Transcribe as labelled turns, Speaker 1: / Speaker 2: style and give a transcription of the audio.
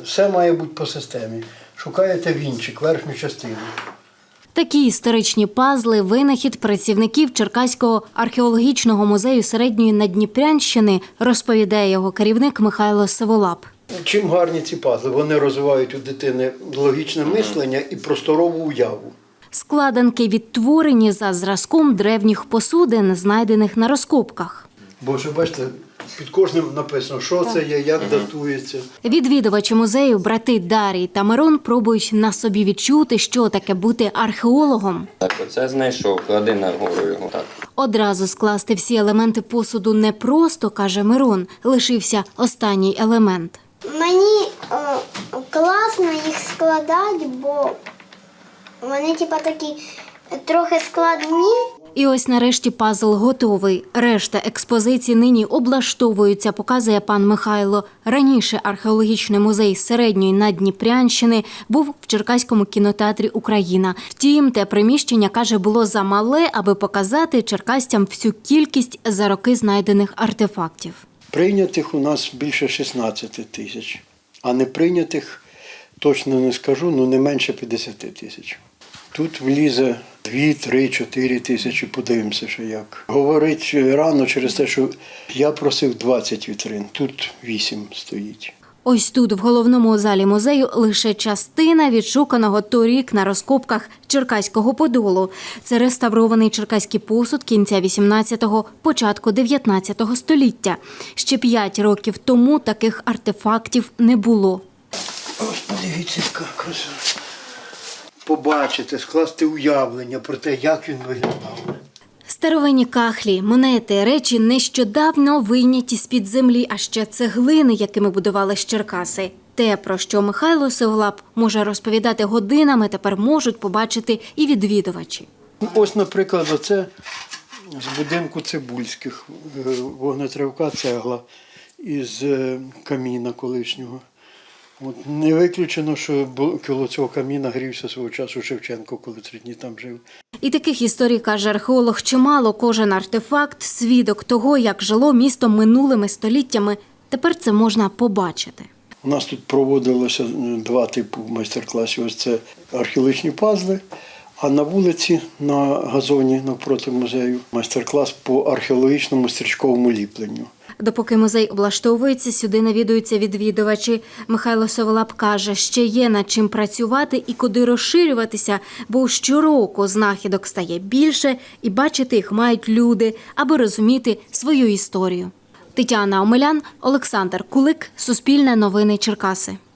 Speaker 1: Все має бути по системі. Шукаєте вінчик, верхню частину.
Speaker 2: Такі історичні пазли – винахід працівників Черкаського археологічного музею Середньої Наддніпрянщини, розповідає його керівник Михайло Сиволап.
Speaker 1: Чим гарні ці пазли? Вони розвивають у дитини логічне мислення і просторову уяву.
Speaker 2: Складанки відтворені за зразком древніх посудин, знайдених на розкопках.
Speaker 1: Бо ж, бачите, під кожним написано, що це є, як датується.
Speaker 2: Відвідувачі музею брати Дарій та Мирон пробують на собі відчути, що таке бути археологом.
Speaker 3: Так, оце знайшов, клади нагору його. Так.
Speaker 2: Одразу скласти всі елементи посуду непросто, каже Мирон, лишився останній елемент.
Speaker 4: Мені класно їх складати, бо вони такі трохи складні.
Speaker 2: І ось нарешті пазл готовий. Решта експозиції нині облаштовуються, показує пан Михайло. Раніше археологічний музей Середньої Наддніпрянщини був в Черкаському кінотеатрі «Україна». Втім, те приміщення, каже, було замале, аби показати черкасцям всю кількість за роки знайдених артефактів.
Speaker 1: Прийнятих у нас більше 16 тисяч, а не прийнятих, точно не скажу, не менше 50 тисяч. Тут влізе 2, 3, 4 тисячі, подивимося, що як. Говорить рано через те, що я просив 20 вітрин, тут 8 стоїть.
Speaker 2: Ось тут, в головному залі музею, лише частина відшуканого торік на розкопках Черкаського Подолу. Це реставрований черкаський посуд кінця 18-го, початку 19-го століття. Ще 5 років тому таких артефактів не було.
Speaker 1: Ось подивіться, яка краса. Побачити, скласти уявлення про те, як він виглядав.
Speaker 2: Старовинні кахлі, монети, речі нещодавно вийняті з-під землі, а ще цеглини, якими будували Черкаси. Те, про що Михайло Сиволап може розповідати годинами, тепер можуть побачити і відвідувачі.
Speaker 1: Ось, наприклад, оце з будинку Цибульських, вогнетривка цегла із каміна колишнього. От не виключено, що коло цього каміна грівся свого часу Шевченко, коли 3 дні там жив.
Speaker 2: І таких історій, каже археолог, чимало. Кожен артефакт – свідок того, як жило місто минулими століттями. Тепер це можна побачити.
Speaker 1: У нас тут проводилося 2 типи майстер-класів. Ось це археологічні пазли, а на вулиці, на газоні навпроти музею, майстер-клас по археологічному стрічковому ліпленню.
Speaker 2: Допоки музей облаштовується, сюди навідуються відвідувачі. Михайло Сиволап каже, ще є над чим працювати і куди розширюватися, бо щороку знахідок стає більше і бачити їх мають люди, аби розуміти свою історію. Тетяна Омелян, Олександр Кулик, Суспільне новини Черкаси.